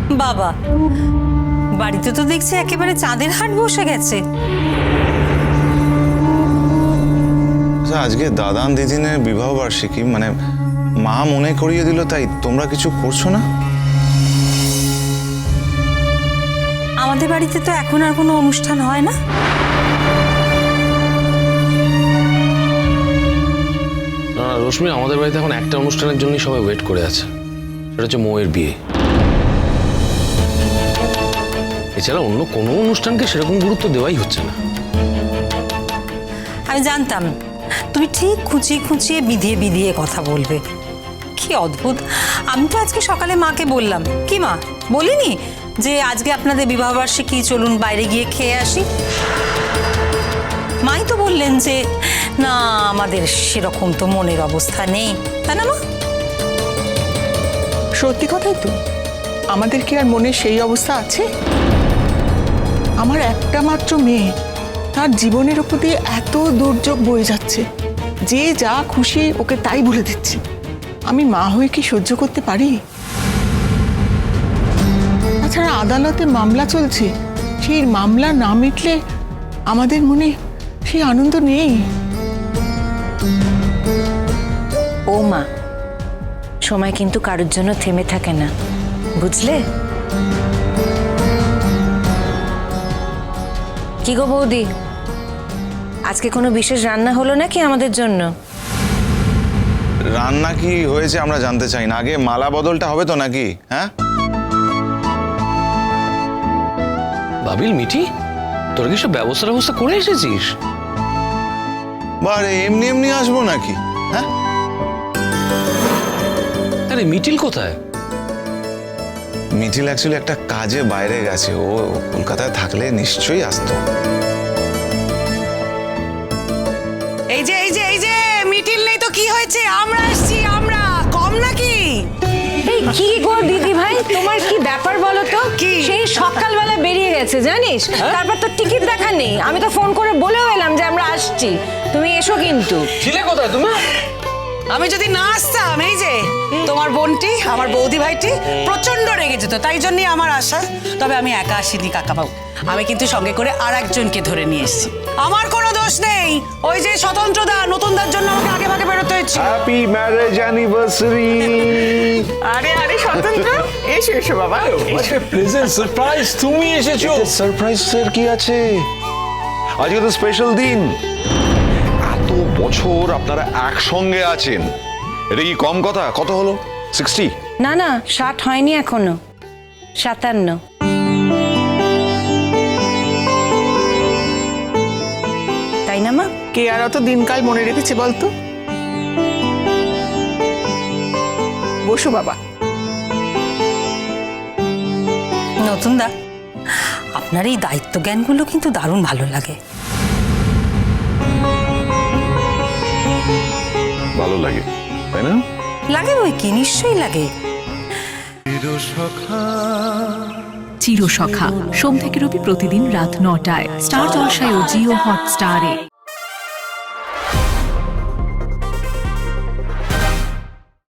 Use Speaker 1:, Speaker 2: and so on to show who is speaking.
Speaker 1: বাবা, বাড়িতে তো দেখছি একেবারে চাঁদের হাট বসে গেছে।
Speaker 2: আজকে দাদান দিদিনের বিবাহ বার্ষিকী, মানে মা মনে করিয়ে দিল, তাই তোমরা কিছু করছো না?
Speaker 1: আমাদের বাড়িতে তো এখন আর কোনো অনুষ্ঠান হয় না।
Speaker 3: না রশ্মি, আমাদের বাড়িতে এখন একটা অনুষ্ঠানের জন্যই সবাই ওয়েট করে আছে, সেটা হচ্ছে মৌয়ের বিয়ে। এছাড়া অন্য কোনো অনুষ্ঠানকে সেরকম গুরুত্ব দেওয়াই হচ্ছে না।
Speaker 1: আমি জানতাম তুমি ঠিক খুঁচিয়ে খুঁচিয়ে বিধিয়ে বিধিয়ে কথা বলবে। কি অদ্ভুত! আমি তো আজকে সকালে মাকে বললাম, কি মা বলিনি যে আজকে আপনাদের বিবাহবার্ষিকী, চলুন বাইরে গিয়ে খেয়ে আসি? মাই তো বললেন যে না, আমাদের সেরকম তো মনের অবস্থা নেই, তাই না মা?
Speaker 4: সত্যি কথাই তো, আমাদের কি আর মনে সেই অবস্থা আছে? আমার একটা মাত্র মেয়ে, তার জীবনের উপর দিয়ে এত দুর্যোগ বয়ে যাচ্ছে, যে যা খুশি ওকে তাই বলে দিচ্ছে। আমি মা হয়ে কি সহ্য করতে পারি? তাছাড়া আদালতে মামলা চলছে, সেই মামলা না মিটলে আমাদের মনে সেই আনন্দ নেই।
Speaker 5: ও মা, সময় কিন্তু কারোর জন্য থেমে থাকে না, বুঝলে? কি গো বৌদি, আজকে কোনো বিশেষ রান্না হলো নাকি আমাদের জন্য?
Speaker 2: রান্না কি হয়েছে আমরা জানতে চাই না, আগে মালা বদলটা হবে তো নাকি? হ্যাঁ
Speaker 3: বাবিল, মিঠি, তোর কি সব ব্যবস্থা করে এসেছিস?
Speaker 2: বারে এমনি এমনি আসবো নাকি? হ্যাঁ,
Speaker 3: আরে মিঠিল কোথায়?
Speaker 2: মিঠিল অ্যাকচুয়ালি একটা কাজে বাইরে গেছে, ও কলকাতায় থাকলে নিশ্চয়ই আসতো।
Speaker 6: এই যে মিটিল নেই তো কি হয়েছে? আমরা আসছি, আমরা কম নাকি?
Speaker 5: এই কি গো দিদি ভাই, তোমার কি ব্যাপার বলো তো?
Speaker 6: কি?
Speaker 5: সেই সকালবেলা বেরিয়ে গেছে জানিস, তারপর তো টিকিট দেখা নেই। আমি তো ফোন করে বলেও এলাম যে আমরা আসছি, তুমি এসো কিন্তু।
Speaker 3: ছিলে কোথায় তুমি?
Speaker 6: আমি যদি না আসতাম, এই যে তোমার বোনটি, আমার বৌদি ভাইটি প্রচন্ড রেগে যেত, তাই জন্যই আমার আশা। তবে আমি একা আসিনি কাকাবাবু, আমি কিন্তু সঙ্গে করে আর একজনকে ধরে নিয়ে এসেছি। আমার কোনো দোষ নেই, ওই যে স্বতন্ত্রদা, নতুনদার জন্য আমাকে আগে ভাগে বেরোতে হয়েছে।
Speaker 2: Happy marriage anniversary.
Speaker 4: আরে আরে স্বতন্ত্র, এসো এসো বাবা।
Speaker 7: প্রেজেন্ট সারপ্রাইজ, তুমি এসেছো।
Speaker 2: সারপ্রাইজের কি আছে? আজকে তো স্পেশাল দিন।
Speaker 7: এত বছর আপনারা একসঙ্গে আছেন, এটা কি কম কথা? কত হলো? 60?
Speaker 5: না না, 60 হয়নি এখনো, 57। তাই না মা?
Speaker 4: কে আর অত দিনকাল মনে রেখেছে বলতো? বসো বাবা।
Speaker 1: নতুনদা, আপনার এই দায়িত্ব জ্ঞানগুলো কিন্তু দারুণ ভালো লাগে।
Speaker 7: ভালো লাগে, তাই না?
Speaker 1: লাগে বই কি, নিশ্চয়ই লাগে।
Speaker 8: চিরসখা সোম থেকে রবি প্রতিদিন রাত 9টায় স্টার জলসায় ও জিও হটস্টারে।